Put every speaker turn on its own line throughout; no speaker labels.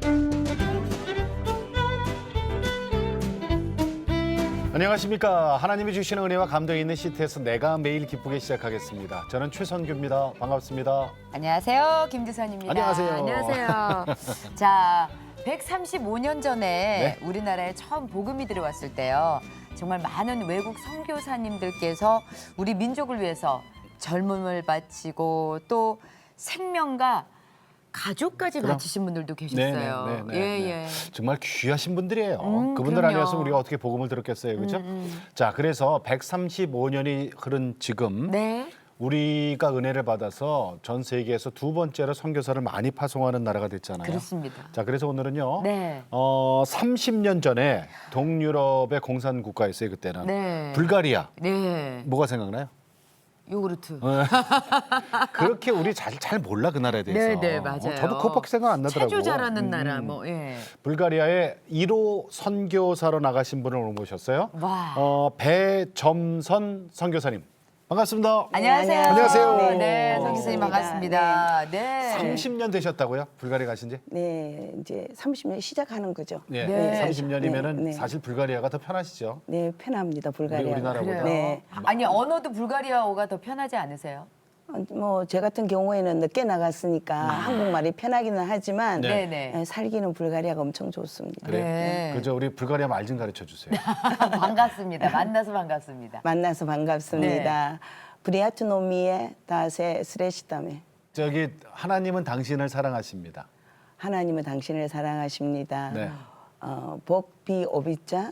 안녕하십니까. 하나님이 주시는 은혜와 감동이 있는 시트에서 내가 매일 기쁘게 시작하겠습니다. 저는 최선규입니다. 반갑습니다.
안녕하세요. 김두선입니다.
안녕하세요.
안녕하세요. 자, 135년 전에
네.
우리나라에 처음 복음이 들어왔을 때요. 정말 많은 외국 선교사님들께서 우리 민족을 위해서 젊음을 바치고 또 생명과 가족까지
그럼.
바치신 분들도 계셨어요.
네.
예.
정말 귀하신 분들이에요. 그분들
그럼요.
아니었으면 우리가 어떻게 복음을 들었겠어요. 그렇죠? 자, 그래서 135년이 흐른 지금
네.
우리가 은혜를 받아서 전 세계에서 두 번째로 선교사를 많이 파송하는 나라가 됐잖아요.
그렇습니다.
자, 그래서 오늘은요.
네.
30년 전에 동유럽의 공산 국가였어요. 그때는.
네.
불가리아.
네.
뭐가 생각나요?
요구르트.
그렇게 우리 잘 몰라 그 나라에 대해서.
네, 맞아요.
저도 그것밖에 생각 안 나더라고요.
체조 잘하는 나라 뭐 예.
불가리아의 1호 선교사로 나가신 분을 오늘 모셨어요.
와.
배점선 선교사님. 반갑습니다.
안녕하세요.
안녕하세요.
네, 성 교수님 반갑습니다. 네.
30년 되셨다고요? 불가리아 가신 지?
네, 이제 30년 시작하는 거죠.
네.
네.
30년이면은
네.
사실 불가리아가 더 편하시죠?
네, 편합니다. 불가리아.
우리나라보다.
그래요.
네.
아니 언어도 불가리아어가 더 편하지 않으세요?
뭐 제 같은 경우에는 늦게 나갔으니까 한국말이 편하기는 하지만
네.
네네.
살기는 불가리아가 엄청 좋습니다.
그래.
네.
그죠? 우리 불가리아 말 좀 가르쳐 주세요.
반갑습니다. 만나서 반갑습니다.
만나서 반갑습니다. 브리아투노미에 다세 스레시다메.
저기 하나님은 당신을 사랑하십니다.
하나님은 당신을 사랑하십니다.
네.
복비 오비자.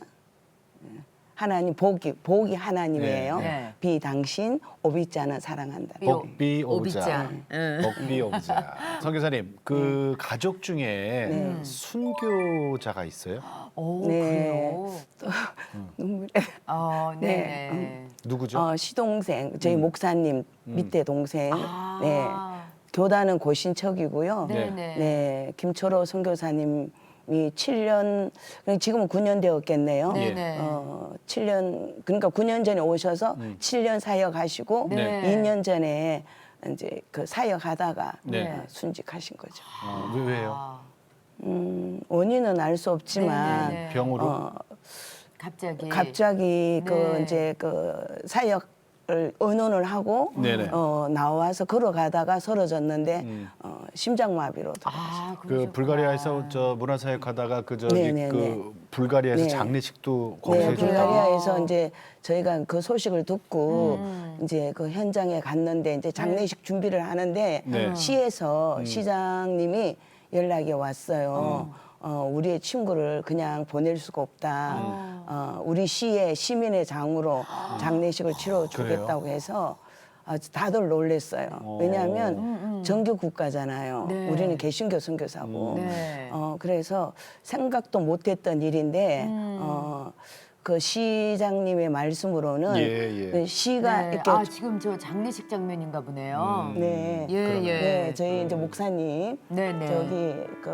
하나님 복이 하나님이에요.
네.
비 당신 오비자는 사랑한다.
복비 오브자.
오비자. 응.
복비 오브자. 선교사님, 그 가족 중에
네.
순교자가 있어요?
오
네.
그래요.
눈물에.
네네.
누구죠?
시동생, 저희 목사님 밑에 동생.
아.
네. 교단은 고신척이고요.
네.
네네.
네. 김초로 선교사님이 7년, 지금은 9년 되었겠네요.
네네.
7년, 그러니까 9년 전에 오셔서 7년 사역하시고
네.
2년 전에 이제 그 사역하다가
네.
순직하신 거죠.
왜요?
아,
원인은 알 수 없지만
네네네.
병으로?
갑자기 그
네.
이제 그 사역을 의논을 하고
네네.
나와서 걸어가다가 쓰러졌는데 심장마비로 돌아가셨어요.
아,
그
그러셨구나.
불가리아에서 저 문화사역하다가 그 저기
네네네.
그 불가리아에서
네.
장례식도 거기서
네,
해줬다고.
불가리아에서 이제 저희가 그 소식을 듣고 이제 그 현장에 갔는데 이제 장례식 준비를 하는데
네.
시에서 시장님이 연락이 왔어요. 우리의 친구를 그냥 보낼 수가 없다. 우리 시의 시민의 장으로 장례식을 치러주겠다고 해서 다들 놀랬어요. 왜냐하면 정규 국가잖아요.
네.
우리는 개신교 선교사고.
네.
그래서 생각도 못했던 일인데 그 시장님의 말씀으로는
예.
그 시가
네.
이렇게
아 지금 저 장례식 장면인가 보네요.
네.
예, 예.
네, 저희 이제 목사님
네네.
저기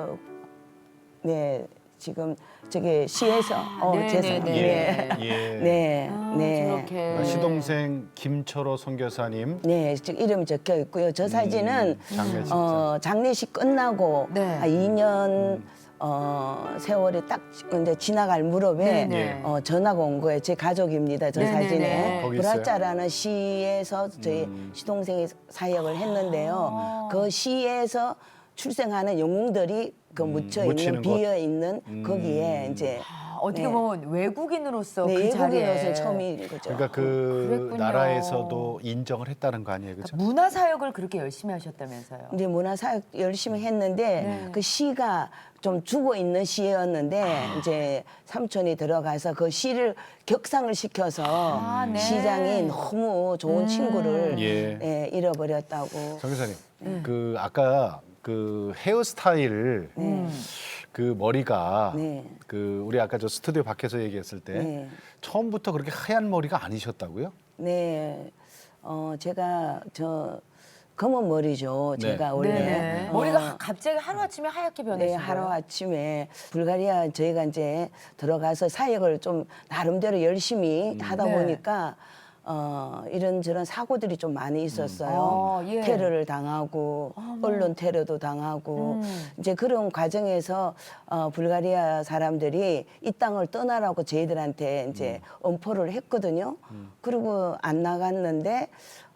네 지금 저기 시에서
네네네.
죄송합니다.
예.
네.
예.
네.
아,
네.
저렇게.
시동생 김철호 선교사님.
네, 즉 이름이 적혀 있고요. 저 사진은
장례식.
장례식 끝나고
네.
한 2년 세월이 딱 이제 지나갈 무렵에
네네.
전화가 온 거예요. 제 가족입니다. 저
네네네.
사진에
거기 있어요?
브라짜라는 시에서 저희 시동생이 사역을 했는데요. 그 시에서 출생하는 영웅들이 그 묻혀
묻히는
있는
곳.
비어 있는 거기에 이제
아, 어떻게
네.
보면 외국인으로서
네,
그 자리에
외국인으로서 처음인 거죠.
그러니까 그
그랬군요.
나라에서도 인정을 했다는 거 아니에요, 그렇죠?
문화 사역을 그렇게 열심히 하셨다면서요.
이제 문화사역 열심히 했는데
네.
그 시가 좀 죽어 있는 시였는데 이제 삼촌이 들어가서 그 시를 격상을 시켜서
네.
시장이 너무 좋은 친구를
예.
잃어버렸다고.
선교사님, 그 아까 그 헤어스타일 그 머리가
네.
그 우리 아까 저 스튜디오 밖에서 얘기했을 때
네.
처음부터 그렇게 하얀 머리가 아니셨다고요?
네, 제가 저 검은 머리죠.
네.
제가 원래
네네. 머리가 갑자기 하루아침에 하얗게 변했어요.
네, 하루아침에 불가리아 저희가 이제 들어가서 사역을 좀 나름대로 열심히 하다
네.
보니까 이런저런 사고들이 좀 많이 있었어요.
예.
테러를 당하고 언론 테러도 당하고 이제 그런 과정에서 불가리아 사람들이 이 땅을 떠나라고 저희들한테 이제 엄포를 했거든요. 그리고 안 나갔는데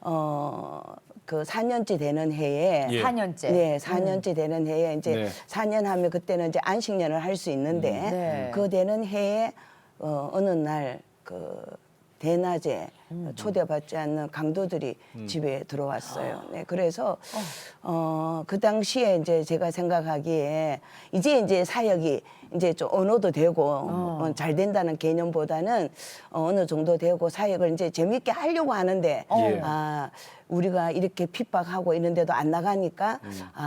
그 4년째 되는 해에
예.
4년째.
네, 4년째 되는 해에 이제
네.
4년 하면 그때는 이제 안식년을 할 수 있는데
네.
그 되는 해에 어느 날 그 대낮에 초대받지 않는 강도들이 집에 들어왔어요. 네, 그래서 그 당시에 이제 제가 생각하기에 이제 사역이 이제 좀 언어도 되고 잘 된다는 개념보다는 어느 정도 되고 사역을 이제 재밌게 하려고 하는데
예.
우리가 이렇게 핍박하고 있는데도 안 나가니까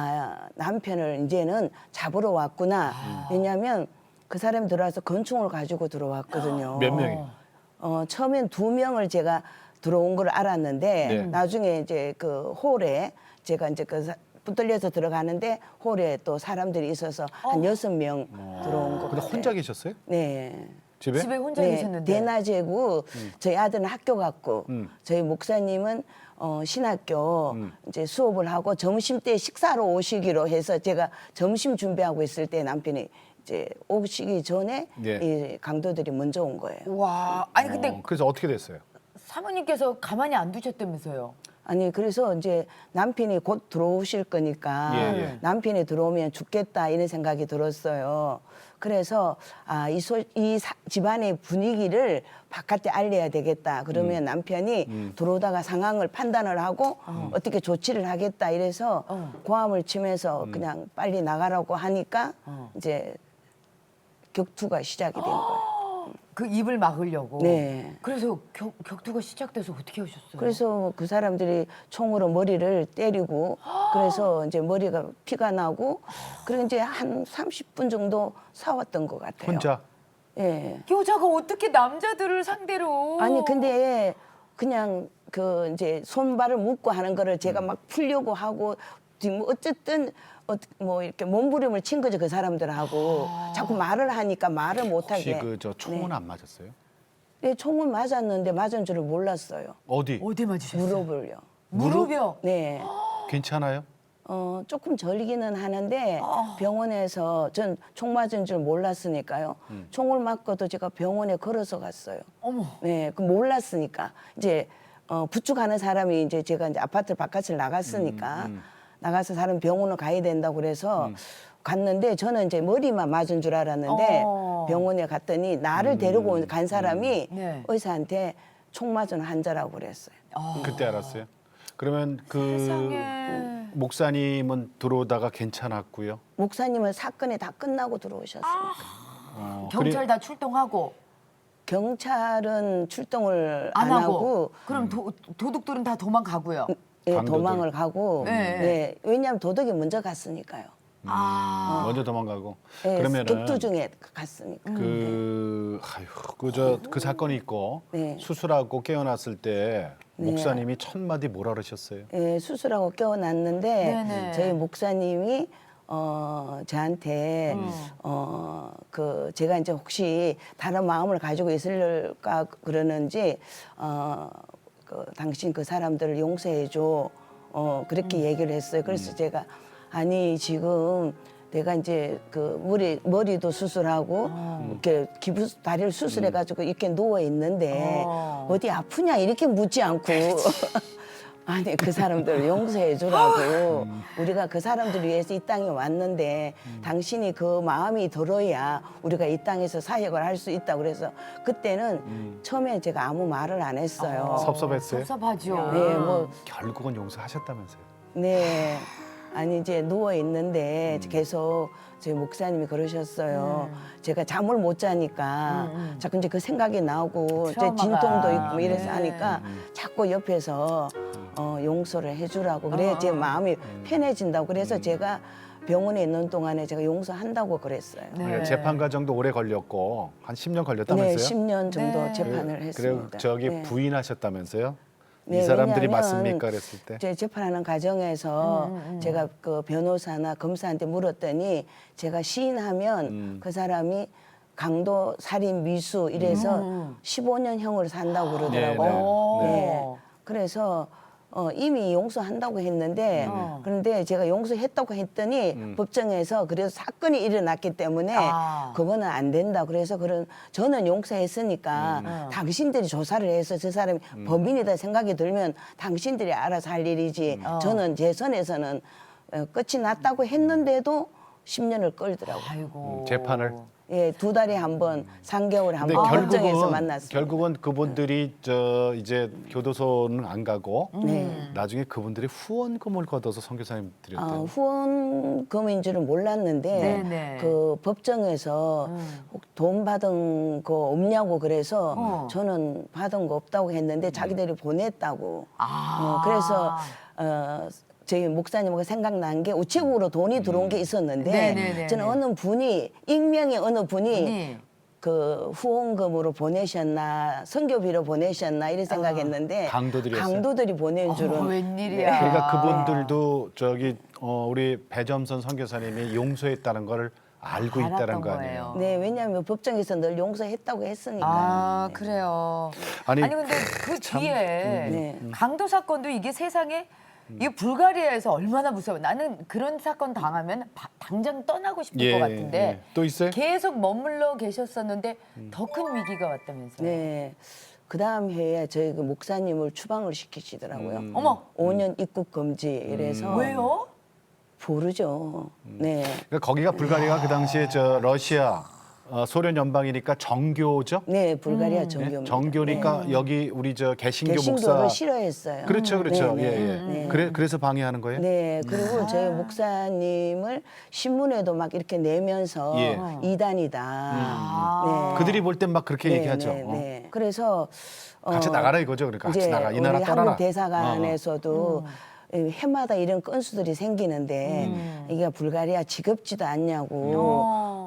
남편을 이제는 잡으러 왔구나. 왜냐하면 그 사람이 들어와서 권총을 가지고 들어왔거든요.
몇 명이요?
처음엔 2명을 제가 들어온 걸 알았는데
네.
나중에 이제 그 홀에 제가 이제 붙들려서 들어가는데 홀에 또 사람들이 있어서 한 6명 들어온 거
근데
같아요.
혼자 계셨어요?
네.
집에?
집에 혼자
네,
계셨는데.
대낮이고 저희 아들은 학교 갔고 저희 목사님은 신학교 이제 수업을 하고 점심 때 식사로 오시기로 해서 제가 점심 준비하고 있을 때 남편이 이제 오시기 전에
예.
이 강도들이 먼저 온 거예요.
와, 아니 근데
그래서 어떻게 됐어요?
사모님께서 가만히 안 두셨다면서요.
아니 그래서 이제 남편이 곧 들어오실 거니까
예, 예.
남편이 들어오면 죽겠다 이런 생각이 들었어요. 그래서 이 집안의 분위기를 바깥에 알려야 되겠다. 그러면 남편이 들어오다가 상황을 판단을 하고 어떻게 조치를 하겠다 이래서 고함을 치면서 그냥 빨리 나가라고 하니까 이제 격투가 시작이 된 거예요.
그 입을 막으려고.
네.
그래서 격투가 시작돼서 어떻게 하셨어요?
그래서 그 사람들이 총으로 머리를 때리고 그래서 이제 머리가 피가 나고 그리고 이제 한 30분 정도 싸웠던 것 같아요.
혼자?
예.
여자가 어떻게 남자들을 상대로?
아니 근데 그냥 그 이제 손발을 묶고 하는 거를 제가 막 풀려고 하고 뭐 어쨌든 뭐 이렇게 몸부림을 친 거죠 그 사람들하고 자꾸 말을 하니까 말을
혹시
못하게.
그 저 총은
네.
안 맞았어요?
네, 총은 맞았는데 맞은 줄을 몰랐어요.
어디?
어디 맞으셨어요?
무릎을요.
무릎이요.
네.
괜찮아요?
조금 절기는 하는데 병원에서 전 총 맞은 줄 몰랐으니까요. 총을 맞고도 제가 병원에 걸어서 갔어요.
어머.
네, 그 몰랐으니까 이제 부축하는 사람이 이제 제가 이제 아파트 바깥을 나갔으니까 나가서 사람 병원을 가야 된다고 그래서 갔는데 저는 이제 머리만 맞은 줄 알았는데 병원에 갔더니 나를 데리고 간 사람이
네.
의사한테 총 맞은 환자라고 그랬어요.
그때 알았어요? 그러면 그
세상에.
목사님은 들어오다가 괜찮았고요.
목사님은 사건이 다 끝나고 들어오셨으니까.
경찰 다 출동하고
경찰은 출동을
안
안
하고.
하고
그럼 도둑들은 다 도망가고요.
예,
강도들.
도망을 가고
네.
네, 왜냐하면 도덕이 먼저 갔으니까요.
아.
먼저 도망가고.
예,
그러면은
격투 중에 갔으니까.
그 사건이 있고
네.
수술하고 깨어났을 때
네.
목사님이 첫 마디 뭐라 그러셨어요?
예, 수술하고 깨어났는데
네네.
저희 목사님이 저한테 그 제가 이제 혹시 다른 마음을 가지고 있을까 그러는지 그 당신 그 사람들을 용서해 줘 그렇게 얘기를 했어요. 그래서 제가 아니 지금 내가 이제 그 머리도 수술하고 이렇게 기부 다리를 수술해가지고 이렇게 누워 있는데 어디 아프냐 이렇게 묻지 않고 아니 그 사람들을 용서해 주라고 우리가 그 사람들을 위해서 이 땅에 왔는데 당신이 그 마음이 들어야 우리가 이 땅에서 사역을 할 수 있다 그래서 그때는 처음에 제가 아무 말을 안 했어요.
섭섭했어요?
섭섭하죠.
네, 뭐
결국은 용서하셨다면서요?
네. 아니 이제 누워 있는데 계속 저희 목사님이 그러셨어요. 제가 잠을 못 자니까 자꾸 이제 그 생각이 나오고 이제
트라우마가.
진통도 있고 뭐 이래서
네.
하니까 자꾸 옆에서 용서를 해주라고 그래 제 마음이 편해진다고 그래서 제가 병원에 있는 동안에 제가 용서한다고 그랬어요.
네.
네, 재판 과정도 오래 걸렸고 한 10년 걸렸다면서요?
네, 10년 정도
네.
재판을
그리고
했습니다.
저기
네.
부인하셨다면서요? 이
네,
사람들이
왜냐하면
맞습니까? 그랬을 때?
제 재판하는 과정에서 제가 그 변호사나 검사한테 물었더니 제가 시인하면 그 사람이 강도 살인 미수 이래서 15년형으로 산다고 그러더라고요.
네,
네. 그래서 이미 용서한다고 했는데 그런데 제가 용서했다고 했더니 법정에서 그래서 사건이 일어났기 때문에 그거는 안 된다. 그래서 저는 용서했으니까 당신들이 조사를 해서 저 사람이 범인이다 생각이 들면 당신들이 알아서 할 일이지. 저는 제 선에서는 끝이 났다고 했는데도 10년을 끌더라고요.
아이고.
재판을.
예, 2달에 한 번, 3개월에 한
근데
번 법정에서 만났어요.
결국은 그분들이 이제 교도소는 안 가고 나중에 그분들이 후원금을 걷어서 선교사님 드렸대요.
후원금인 줄은 몰랐는데
네네.
그 법정에서 혹 돈 받은 거 없냐고 그래서 저는 받은 거 없다고 했는데 자기들이 보냈다고. 그래서 저희 목사님하고 생각난 게 우체국으로 돈이 들어온 게 있었는데
네네네네.
저는 어느 분이 익명의 어느 분이
아니,
그 후원금으로 보내셨나 선교비로 보내셨나 이런 생각했는데
강도들이었어요?
강도들이 보낸 줄은
웬일이야.
그러니까 그분들도 우리 배점선 선교사님이 용서했다는 걸 알고 있다는
알았던
거 아니에요.
거예요.
네, 왜냐하면 법정에서 늘 용서했다고 했으니까.
아, 그래요.
아니,
아니 근데 그 뒤에
네.
강도 사건도 이게 세상에 이게 불가리아에서 얼마나 무서워. 나는 그런 사건 당하면 당장 떠나고 싶을 것 같은데
또 있어요?
계속 머물러 계셨었는데 더 큰 위기가 왔다면서요.
네. 그 다음 해에 저희 그 목사님을 추방을 시키시더라고요.
어머,
5년 입국 금지 이래서
왜요?
모르죠. 네.
그러니까 거기가 불가리아가 그 당시에 러시아, 소련 연방이니까 정교죠.
네, 불가리아 정교입니다.
정교니까 여기 우리 개신교
개신교를
목사.
싫어했어요.
그렇죠, 그렇죠.
네, 네.
예, 예.
네.
그래서 방해하는 거예요?
네, 그리고 저희 목사님을 신문에도 막 이렇게 내면서
예.
이단이다. 네.
그들이 볼 땐 막 그렇게
네,
얘기하죠.
네, 네. 그래서
같이 나가라 이거죠. 그러니까 같이
이제
나가. 이 나라
우리
떠나라.
한국 대사관에서도 해마다 이런 건수들이 생기는데 이게 불가리아 지겹지도 않냐고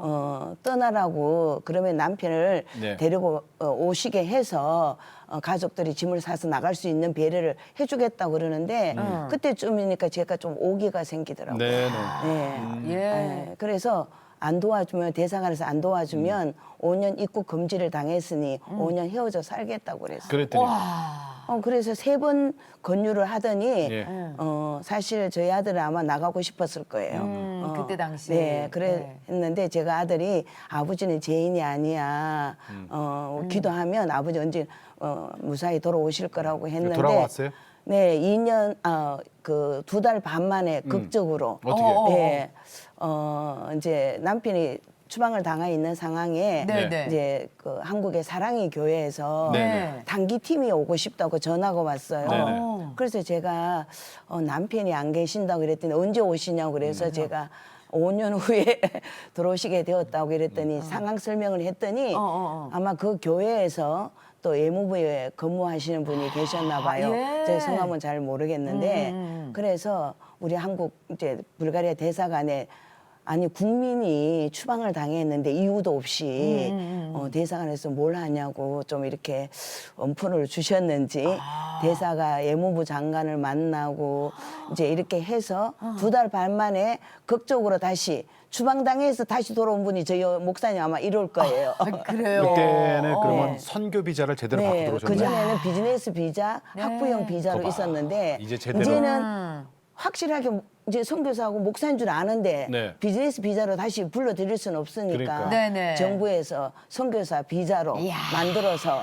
떠나라고 그러면 남편을
네.
데리고 오시게 해서 가족들이 짐을 싸서 나갈 수 있는 배려를 해주겠다고 그러는데 그때쯤이니까 제가 좀 오기가 생기더라고요.
네, 네.
네.
예.
네, 그래서 안 도와주면 대사관에서 안 도와주면 5년 입국 금지를 당했으니 5년 헤어져 살겠다고 그랬어요.
그랬더니
그래서 3번 권유를 하더니
예.
사실 저희 아들은 아마 나가고 싶었을 거예요.
그때 당시에.
네, 그랬는데 제가 아들이 아버지는 죄인이 아니야. 기도하면 아버지 언제 무사히 돌아오실 거라고 했는데
돌아왔어요?
네, 2년 그 2달 반 만에 극적으로
어떻게?
네, 이제 남편이 추방을 당해 있는 상황에
네, 네.
이제 그 한국의 사랑의 교회에서
네.
단기 팀이 오고 싶다고 전화가 왔어요.
네네.
그래서 제가 남편이 안 계신다고 그랬더니 언제 오시냐고 그래서 제가 5년 후에 들어오시게 되었다고 그랬더니 상황 설명을 했더니 아마 그 교회에서 또 예무부에 근무하시는 분이 계셨나 봐요.
예.
제 성함은 잘 모르겠는데 그래서 우리 한국 이제 불가리아 대사관에 아니 국민이 추방을 당했는데 이유도 없이 대사관에서 뭘 하냐고 좀 이렇게 엄포를 주셨는지 대사가 예무부 장관을 만나고 이제 이렇게 해서 2달 반 만에 극적으로 다시 추방당해서 다시 돌아온 분이 저희 목사님 아마 이럴 거예요.
그래요.
그때는 그러면 선교 비자를 제대로 받고
네,
들어오셨나요?
그전에는 비즈니스 비자, 학부형 비자로
그거 봐.
있었는데
이제 제대로.
이제는 확실하게 이제 선교사하고 목사인 줄 아는데
네.
비즈니스 비자로 다시 불러드릴 수는 없으니까
그러니까.
네네.
정부에서 선교사 비자로
이야.
만들어서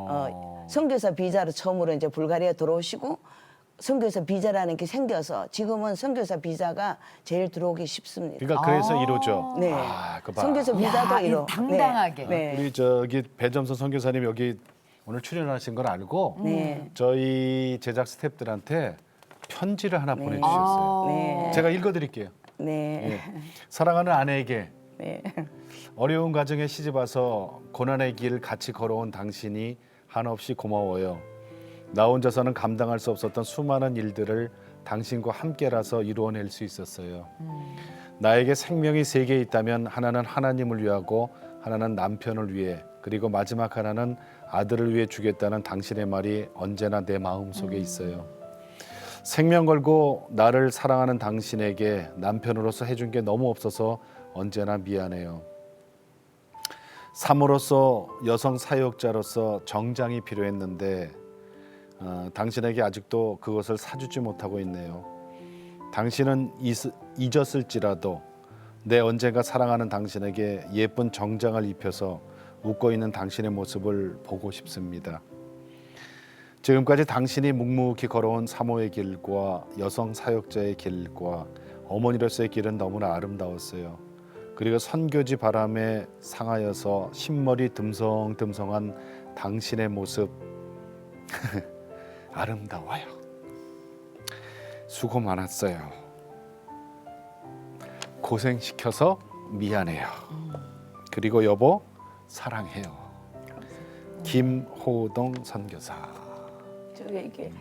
선교사 비자로 처음으로 이제 불가리아 들어오시고 선교사 비자라는 게 생겨서 지금은 선교사 비자가 제일 들어오기 쉽습니다.
그러니까 그래서 이러죠.
네.
그 봐.
선교사 비자도
야,
이러.
당당하게.
네.
우리 배점선 선교사님 여기 오늘 출연하신 걸 알고
네.
저희 제작 스태프들한테 편지를 하나 보내주셨어요.
네.
제가 읽어드릴게요.
네.
예. 사랑하는 아내에게
네.
어려운 가정에 시집 와서 고난의 길 같이 걸어온 당신이 한없이 고마워요. 나 혼자서는 감당할 수 없었던 수많은 일들을 당신과 함께라서 이루어낼 수 있었어요. 나에게 생명이 3개 있다면 하나는 하나님을 위하고 하나는 남편을 위해 그리고 마지막 하나는 아들을 위해 주겠다는 당신의 말이 언제나 내 마음속에 있어요. 생명 걸고 나를 사랑하는 당신에게 남편으로서 해준 게 너무 없어서 언제나 미안해요. 사모로서 여성 사역자로서 정장이 필요했는데 당신에게 아직도 그것을 사주지 못하고 있네요. 당신은 잊었을지라도 내 언젠가 사랑하는 당신에게 예쁜 정장을 입혀서 웃고 있는 당신의 모습을 보고 싶습니다. 지금까지 당신이 묵묵히 걸어온 사모의 길과 여성 사역자의 길과 어머니로서의 길은 너무나 아름다웠어요. 그리고 선교지 바람에 상하여서 흰머리 듬성듬성한 당신의 모습 아름다워요. 수고 많았어요. 고생시켜서 미안해요. 그리고 여보 사랑해요. 김호동 선교사.
저게 이게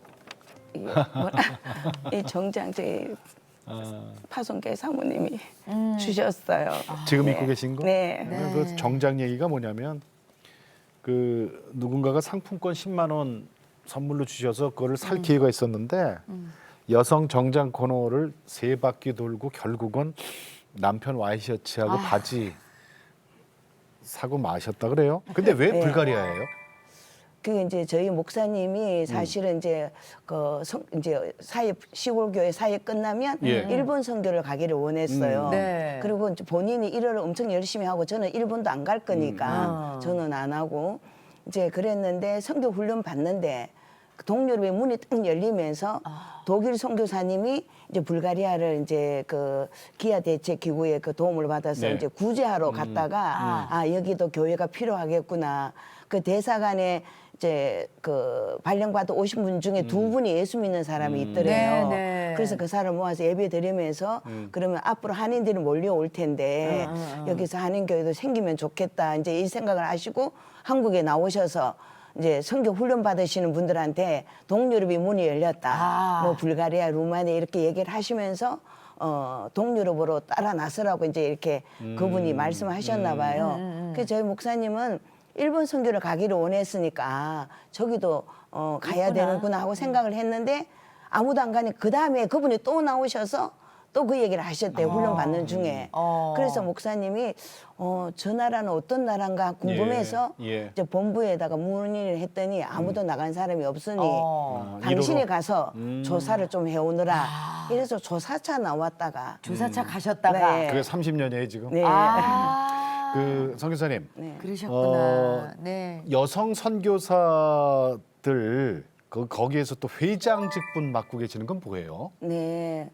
이 정장 저희 파송계 사모님이 주셨어요.
지금
네.
입고 계신 거?
네.
그 정장 얘기가 뭐냐면 그 누군가가 상품권 10만 원 선물로 주셔서 그거를 살 기회가 있었는데 여성 정장 코너를 3바퀴 돌고 결국은 남편 와이셔츠하고 바지 사고 마셨다 그래요. 근데 왜
네.
불가리아예요?
그게 이제 저희 목사님이 사실은 이제 이제 시골 교회 사역 끝나면
예.
일본 선교를 가기를 원했어요.
네.
그리고 이제 본인이 일을 엄청 열심히 하고 저는 일본도 안 갈 거니까 저는 안 하고 이제 그랬는데 선교 훈련 받는데 그 동유럽의 문이 딱 열리면서 독일 선교사님이 이제 불가리아를 이제 그 기아 대책 기구의 그 도움을 받아서
네.
이제 구제하러 갔다가 여기도 교회가 필요하겠구나. 그 대사관에 이제 그 발령받아 오신 분 중에 2분이 예수 믿는 사람이 있더래요.
네, 네.
그래서 그 사람 모아서 예배 드리면서 그러면 앞으로 한인들이 몰려올 텐데 여기서 한인교회도 생기면 좋겠다. 이제 이 생각을 하시고 한국에 나오셔서 이제 선교 훈련 받으시는 분들한테 동유럽이 문이 열렸다. 뭐 불가리아, 루마니아 이렇게 얘기를 하시면서 동유럽으로 따라 나서라고 이제 이렇게 그분이 말씀하셨나 봐요. 그래서 저희 목사님은 일본 선교를 가기를 원했으니까 저기도 가야 되는구나 하고 생각을 했는데 아무도 안 가니 그 다음에 그분이 또 나오셔서 또 그 얘기를 하셨대요. 훈련 받는 중에. 그래서 목사님이 저 나라는 어떤 나라인가 궁금해서
예.
이제 본부에다가 문의를 했더니 아무도 나간 사람이 없으니 당신이
일호로.
가서 조사를 좀 해오느라 이래서 조사차 나왔다가
조사차 가셨다가.
네.
그게 30년이에요 지금.
네.
그 선교사님
그러셨구나. 네.
여성 선교사들 거기에서 또 회장 직분 맡고 계시는 건 뭐예요?
네.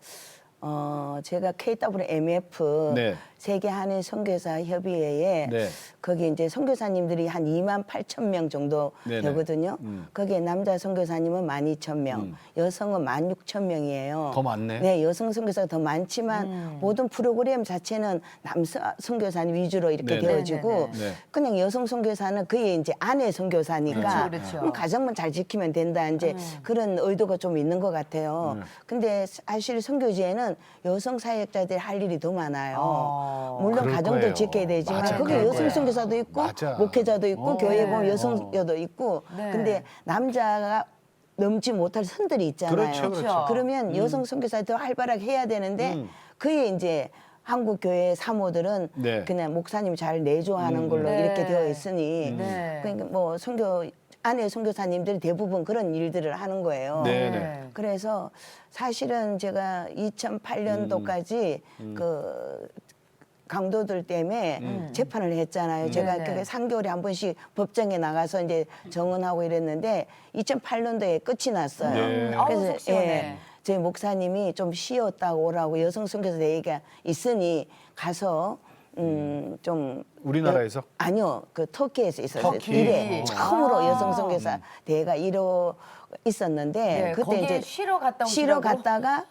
제가 KWMF
네.
세계 한인 선교사 협의회에
네.
거기 이제 선교사님들이 한 2만 8천 명 정도
네네.
되거든요. 거기에 남자 선교사님은 12,000명, 여성은 16,000명이에요.
더 많네.
네, 여성 선교사가 더 많지만 모든 프로그램 자체는 남성 선교사님 위주로 이렇게
네네.
되어지고
네.
그냥 여성 선교사는 그의 이제 아내 선교사니까
그렇죠.
가정만 잘 지키면 된다 이제 그런 의도가 좀 있는 것 같아요. 근데 사실 선교지에는 여성 사역자들이 할 일이 더 많아요. 물론
그럴
가정도
거예요.
지켜야 되지만
맞아,
거기
그럴
여성
거야.
선교사도 있고
맞아.
목회자도 있고 교회 보면 여성교도 있고
네.
근데 남자가 넘지 못할 선들이 있잖아요.
그렇죠, 그렇죠.
그러면 여성 선교사도 활발하게 해야 되는데 그게 이제 한국 교회 사모들은
네.
그냥 목사님 잘 내조하는 걸로
네.
이렇게 되어 있으니
네.
그러니까 뭐 선교 아내 선교사님들이 대부분 그런 일들을 하는 거예요.
네.
그래서 사실은 제가 2008년도까지 그 강도들 때문에 재판을 했잖아요. 제가
네네.
그게 3개월에 한 번씩 법정에 나가서 이제 정언하고 이랬는데 2008년도에 끝이 났어요.
네.
아우, 속 시원해.
저희 목사님이 좀 쉬었다 오라고 여성 선교사 얘기가 있으니 가서 좀
우리나라에서?
아니요, 그 터키에서 있었어요.
터키.
이래 처음으로 여성 선교사 대회가 있었는데
네,
그때
거기에
이제
쉬러 갔다
쉬러
오시라고?
갔다가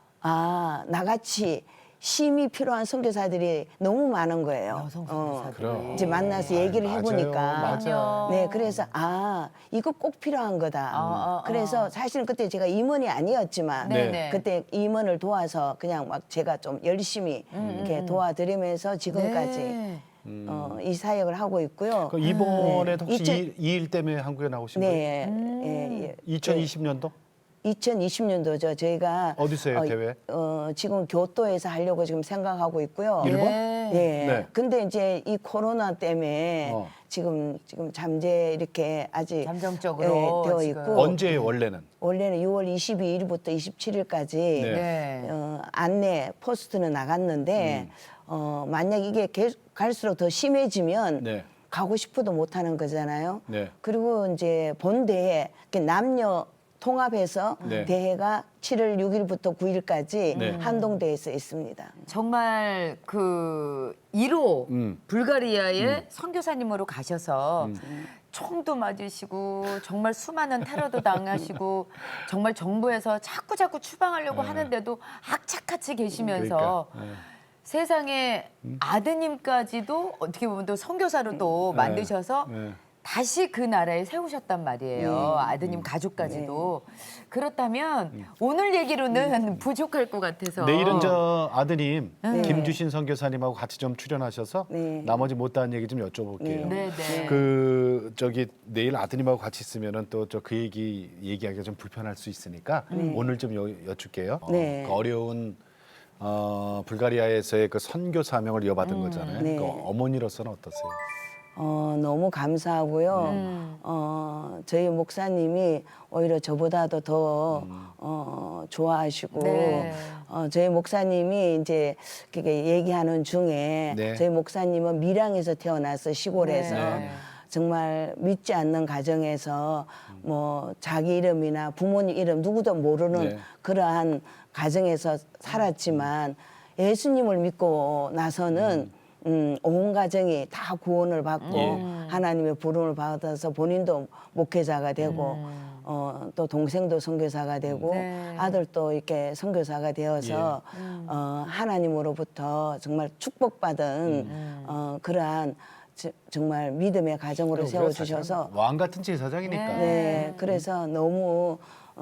나같이 쉼이 필요한 선교사들이 너무 많은 거예요.
여성
그럼.
선교사들이.
이제 만나서 얘기를
맞아요.
해보니까
맞아요.
네, 그래서 이거 꼭 필요한 거다. 그래서 사실은 그때 제가 임원이 아니었지만
네네.
그때 임원을 도와서 그냥 막 제가 좀 열심히 이렇게 도와드리면서 지금까지
네.
이 사역을 하고 있고요.
그 이번에 혹시
이천-
이 일 때문에 한국에 나오신 거예요?
네, 예, 예.
2020년도?
2020년도죠. 저희가
어디서 해요, 대회?
지금 교토에서 하려고 지금 생각하고 있고요.
일본?
네.
예.
네.
근데 이제 이 코로나 때문에 지금 잠재 이렇게 아직
잠정적으로
되어
지금.
있고
언제예요, 원래는?
원래는 6월 22일부터 27일까지
네.
네.
안내 포스트는 나갔는데 만약 이게 계속 갈수록 더 심해지면
네.
가고 싶어도 못 하는 거잖아요.
네.
그리고 이제 본대에 남녀 통합해서
네.
대회가 7월 6일부터 9일까지
네.
한동대에서 있습니다.
정말 그 1호 불가리아의 선교사님으로 가셔서 총도 맞으시고 정말 수많은 테러도 당하시고 정말 정부에서 자꾸 추방하려고 하는데도 악착같이 계시면서
그러니까,
세상에 아드님까지도 어떻게 보면 또 선교사로 또 만드셔서
네.
다시 그 나라에 세우셨단 말이에요. 아드님 가족까지도. 그렇다면 오늘 얘기로는 부족할 것 같아서.
내일은 저 아드님
네.
김주신 선교사님하고 같이 좀 출연하셔서
네.
나머지 못다한 얘기 좀 여쭤볼게요.
네, 네.
그 저기 내일 아드님하고 같이 있으면은 또 저 그 얘기하기가 좀 불편할 수 있으니까 오늘 좀 여쭐게요.
네.
그 어려운 불가리아에서의 그 선교 사명을 이어받은 거잖아요.
네.
그 어머니로서는 어떠세요?
너무 감사하고요. 저희 목사님이 오히려 저보다도 더 좋아하시고
네.
저희 목사님이 이제 그게 얘기하는 중에
네.
저희 목사님은 밀양에서 태어나서 시골에서
네.
정말 믿지 않는 가정에서 뭐 자기 이름이나 부모님 이름 누구도 모르는
네.
그러한 가정에서 살았지만 예수님을 믿고 나서는 온 가정이 다 구원을 받고 하나님의 부름을 받아서 본인도 목회자가 되고 또 동생도 선교사가 되고
네.
아들도 이렇게 선교사가 되어서 하나님으로부터 정말 축복받은 그러한 정말 믿음의 가정으로 세워주셔서
왕 같은 제사장이니까.
네, 그래서 너무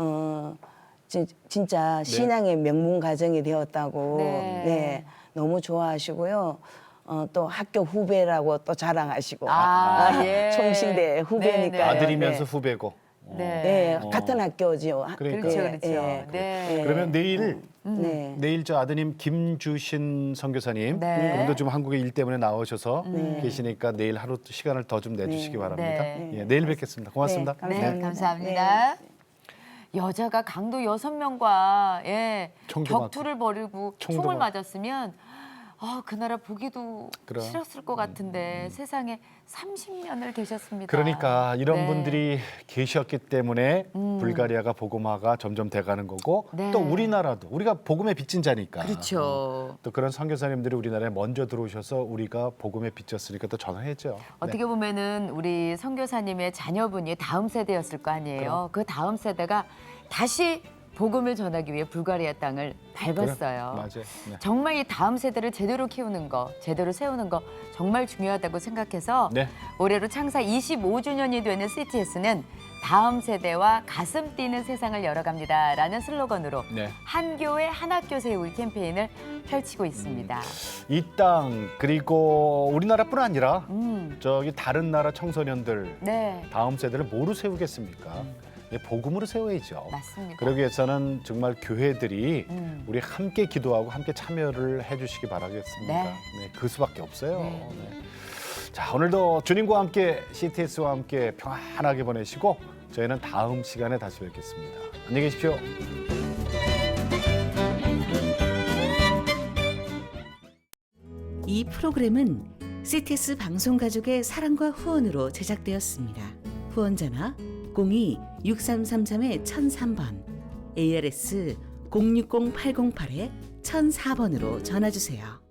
진짜 신앙의 명문 가정이 되었다고
네.
네, 너무 좋아하시고요. 또 학교 후배라고 또 자랑하시고
예.
총신대 후배니까
네, 네.
아들이면서 후배고.
네.
네, 같은 학교지요.
그러니까.
그렇죠,
네,
그렇죠.
네.
네.
그러면 내일
네.
내일 저 아드님 김주신 선교사님
네.
그분도 좀 한국에 일 때문에 나오셔서 계시니까 내일 하루 시간을 더 좀 내주시기 바랍니다.
네.
예, 내일 뵙겠습니다. 고맙습니다.
네,
네, 감사합니다. 여자가 강도 6명과
총도
격투를 벌이고
총도
총을
맞-
맞았으면 그 나라 보기도
그럼.
싫었을 것 같은데 세상에 30년을 계셨습니다.
그러니까 이런
네.
분들이 계셨기 때문에 불가리아가 복음화가 점점 돼가는 거고
네.
또 우리나라도 우리가 복음의 빚진 자니까
그렇죠.
또 그런 선교사님들이 우리나라에 먼저 들어오셔서 우리가 복음에 빚졌으니까 또 전화해죠.
어떻게 보면은 우리 선교사님의 자녀분이 다음 세대였을 거 아니에요. 그 다음 세대가 다시 복음을 전하기 위해 불가리아 땅을 밟았어요.
맞아요. 네.
정말 이 다음 세대를 제대로 키우는 거, 제대로 세우는 거 정말 중요하다고 생각해서
네.
올해로 창사 25주년이 되는 CTS는 다음 세대와 가슴 뛰는 세상을 열어갑니다라는 슬로건으로
네.
한 교회 한 학교 세우기 캠페인을 펼치고 있습니다.
이 땅 그리고 우리나라뿐 아니라
음,
저기 다른 나라 청소년들
네,
다음 세대를 뭐로 세우겠습니까? 예, 복음으로 세워야죠.
맞습니다.
그러기 위해서는 정말 교회들이
음.
우리 함께 기도하고 함께 참여를 해주시기 바라겠습니다.
네.
네, 그 수밖에 없어요.
네.
네. 자, 오늘도 주님과 함께 CTS와 함께 평안하게 보내시고 저희는 다음 시간에 다시 뵙겠습니다. 안녕히 계십시오.
이 프로그램은 CTS 방송가족의 사랑과 후원으로 제작되었습니다. 후원전화 02-6333-1003번, ARS 060-808-1004번으로 전화주세요.